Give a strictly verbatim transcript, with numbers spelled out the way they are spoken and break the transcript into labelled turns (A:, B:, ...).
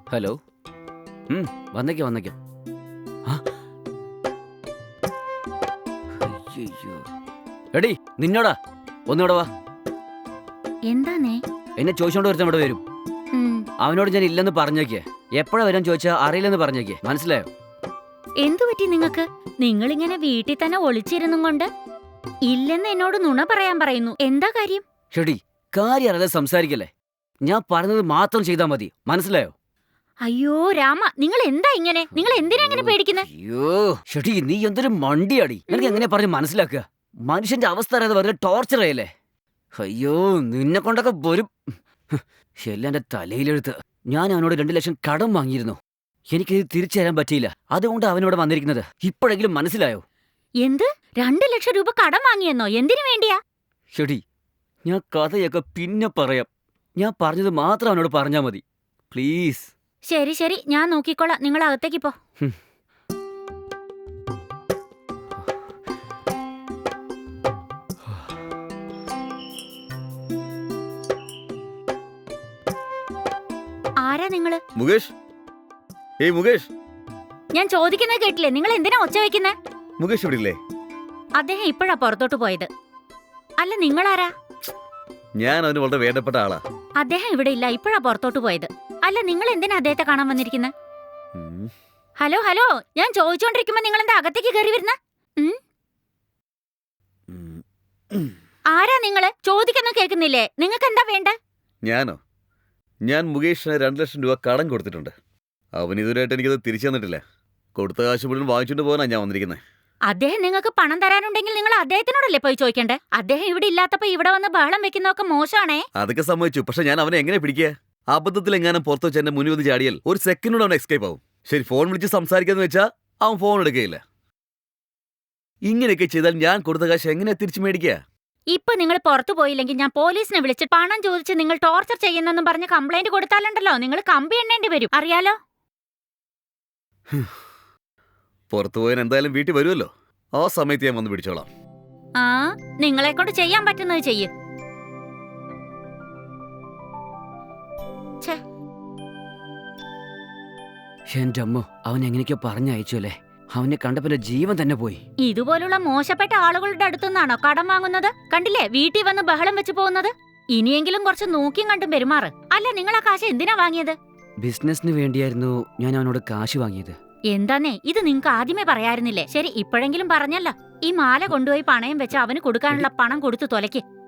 A: Hello. ഉം, വന്നേക്കാം വന്നേക്കാം. ആ, അയ്യയ്യോ. എടി നിന്നോടാ, ഒന്നുകൂടെ വാ.
B: എന്താന്നേ?
A: എന്നെ ചോദിച്ചോണ്ട് ഒരുത്തൻ ഇവിടെ വരും.
B: ഉം,
A: അവനോട് ഞാൻ ഇല്ലെന്ന് പറഞ്ഞേക്കേ. എപ്പോഴാ വരാൻ ചോദിച്ചാ അറിയില്ലെന്ന് പറഞ്ഞേക്കേ. മനസ്സിലായോ?
B: എന്തു പറ്റി നിങ്ങക്ക്? നിങ്ങളിങ്ങനെ വീട്ടിൽ തന്നെ ഒളിച്ചിരുന്നും കൊണ്ട് ഇല്ലെന്ന് എന്നോട് നുണ പറയാൻ പറയുന്നു. എന്താ കാര്യം?
A: ഷെടി, കാര്യം അറിയാതെ സംസാരിക്കല്ലേ. ഞാൻ പറഞ്ഞത് മാത്രം ചെയ്താൽ മതി. മനസ്സിലായോ?
B: അയ്യോ രാമ, നിങ്ങൾ എന്താ ഇങ്ങനെ? നിങ്ങൾ എന്തിനാ ഇങ്ങനെ പേടിക്കുന്നത്?
A: അയ്യോ ഷെടി, നീ എന്തൊരു മണ്ടിയാടി. എനിക്ക് എങ്ങനെ പറഞ്ഞ് മനസ്സിലാക്കുക? മനുഷ്യന്റെ അവസ്ഥ അറിയാതെ വെറുതെ ടോർച്ചർ ചെയ്യല്ലേ. അയ്യോ, നിന്നെ കൊണ്ടൊക്കെ വരും. എല്ലാം എന്റെ തലയിലെടുത്ത്. ഞാൻ അവനോട് രണ്ടു ലക്ഷം കടം വാങ്ങിയിരുന്നു. എനിക്കിത് തിരിച്ചു തരാൻ പറ്റിയില്ല. അതുകൊണ്ട് അവനോട് വന്നിരിക്കുന്നത്. ഇപ്പോഴെങ്കിലും മനസ്സിലായോ?
B: എന്ത്? രണ്ടു ലക്ഷം രൂപ കടം വാങ്ങിയെന്നോ? എന്തിനു വേണ്ടിയാ?
A: ഷെടി, ഞാൻ കഥയൊക്കെ പിന്നെ പറയാം. ഞാൻ പറഞ്ഞത് മാത്രം അവനോട് പറഞ്ഞാ മതി. പ്ലീസ്.
B: ശരി ശരി, ഞാൻ നോക്കിക്കോളാം. നിങ്ങൾ അകത്തേക്ക് പോ.
A: ഹും.
B: ആരാ നിങ്ങള്?
C: മുകേഷ്, ഏയ് മുകേഷ്.
B: ഞാൻ ചോദിക്കുന്നത് കേട്ടില്ലേ? നിങ്ങൾ എന്തിനാ ഒച്ച വെക്കുന്നേ?
C: മുകേഷ് ഇവിടെ ഇല്ലേ?
B: അദ്ദേഹം ഇപ്പോഴാ പുറത്തോട്ട് പോയത്. അല്ല, നിങ്ങളാരാ?
C: ഞാൻ അവന് വളരെ വേണ്ടപ്പെട്ട ആളാ.
B: അദ്ദേഹം ഇവിടെ ഇല്ല, ഇപ്പോഴാ പുറത്തോട്ട് പോയത്. അല്ല, നിങ്ങൾ എന്തിനാ അദ്ദേഹത്തെ കാണാൻ വന്നിരിക്കുന്നത്?
C: ഉം.
B: ഹലോ ഹലോ, ഞാൻ ചോദിച്ചോണ്ടിരിക്കുമ്പോ നിങ്ങൾ എന്താ അകത്തേക്ക് കയറി വരുന്ന?
C: ഉം. ഉം.
B: ആരാ നിങ്ങള്? ചോദിക്കുന്ന കേൾക്കുന്നില്ലേ? നിങ്ങൾക്ക് എന്താ വേണ്ട?
C: ഞാനോ? ഞാൻ മുകേഷിന് രണ്ടു ലക്ഷം രൂപ കടം കൊടുത്തിട്ടുണ്ട്. അവൻ ഇതുവരെയായിട്ട് എനിക്കത് തിരിച്ചു തന്നിട്ടില്ല. കൊടുത്ത കാശ് മുഴുവൻ വാങ്ങിച്ചുകൊണ്ട് പോകാനാ ഞാൻ വന്നിരിക്കുന്നത്.
B: അദ്ദേഹം നിങ്ങൾക്ക് പണം തരാനുണ്ടെങ്കിൽ നിങ്ങൾ അദ്ദേഹത്തിനോടല്ലേ പോയി ചോദിക്കണ്ടേ? അദ്ദേഹം ഇവിടെ ഇല്ലാത്തപ്പോ ഇവിടെ വന്ന് ബഹളം വെക്കുന്നതൊക്കെ മോശമാണേ.
C: അതൊക്കെ സമ്മതിച്ചു. പക്ഷെ ഞാൻ അവനെ എങ്ങനെ പിടിക്കുക? അബദ്ധത്തിൽ എങ്ങാനും പുറത്തു വെച്ച് എന്റെ മുന്നിൽ വന്ന് ചാടിയാൽ ഒരു സെക്കൻഡോട് അവൻ എസ്കേപ്പ് ആവും. ശരി, ഫോൺ വിളിച്ച് സംസാരിക്കാന്ന് വെച്ചാൽ അവൻ ഫോൺ എടുക്കുകയില്ല. ഇങ്ങനെയൊക്കെ ചെയ്താൽ ഞാൻ കൊടുത്ത കാശ് എങ്ങനെ തിരിച്ചു മേടിക്കുക?
B: ഇപ്പൊ നിങ്ങൾ പുറത്തു പോയില്ലെങ്കിൽ ഞാൻ പോലീസിനെ വിളിച്ച് പണം ചോദിച്ച് നിങ്ങൾ ടോർച്ചർ ചെയ്യുന്നെന്നും പറഞ്ഞ് കംപ്ലൈന്റ് കൊടുത്താലുണ്ടല്ലോ, നിങ്ങൾ കമ്പി എണ്ണേണ്ടി വരും. അറിയാലോ?
C: പുറത്തു പോയാൽ എന്തായാലും വീട്ടിൽ വരുമല്ലോ. ആ സമയത്ത് ഞാൻ വന്ന് പിടിച്ചോളാം.
B: ആ, നിങ്ങളെ കൊണ്ട് ചെയ്യാൻ പറ്റുന്നത് ചെയ്യ്.
A: എന്റെ അമ്മോ, അവൻ എങ്ങനെയൊക്കെ പറഞ്ഞയച്ചു അല്ലേ. അവനെ കണ്ടപ്പോ ജീവൻ തന്നെ പോയി.
B: ഇതുപോലുള്ള മോശപ്പെട്ട ആളുകളുടെ അടുത്തുനിന്നാണോ കടം വാങ്ങുന്നത്? കണ്ടില്ലേ വീട്ടിൽ വന്ന് ബഹളം വെച്ച് പോകുന്നത്. ഇനിയെങ്കിലും കുറച്ച് നോക്കിയും കണ്ടും പെരുമാറ്. അല്ല, നിങ്ങൾ ആ കാശ് എന്തിനാ വാങ്ങിയത്?
A: ബിസിനസിന് വേണ്ടിയായിരുന്നു ഞാൻ അവനോട് കാശ് വാങ്ങിയത്.
B: എന്താന്നേ, ഇത് നിങ്ങക്ക് ആദ്യമേ പറയായിരുന്നില്ലേ? ശരി, ഇപ്പോഴെങ്കിലും പറഞ്ഞല്ലോ. ഈ മാല കൊണ്ടുപോയി പണയം വെച്ച് അവന് കൊടുക്കാനുള്ള പണം കൊടുത്തു തൊലയ്ക്ക്.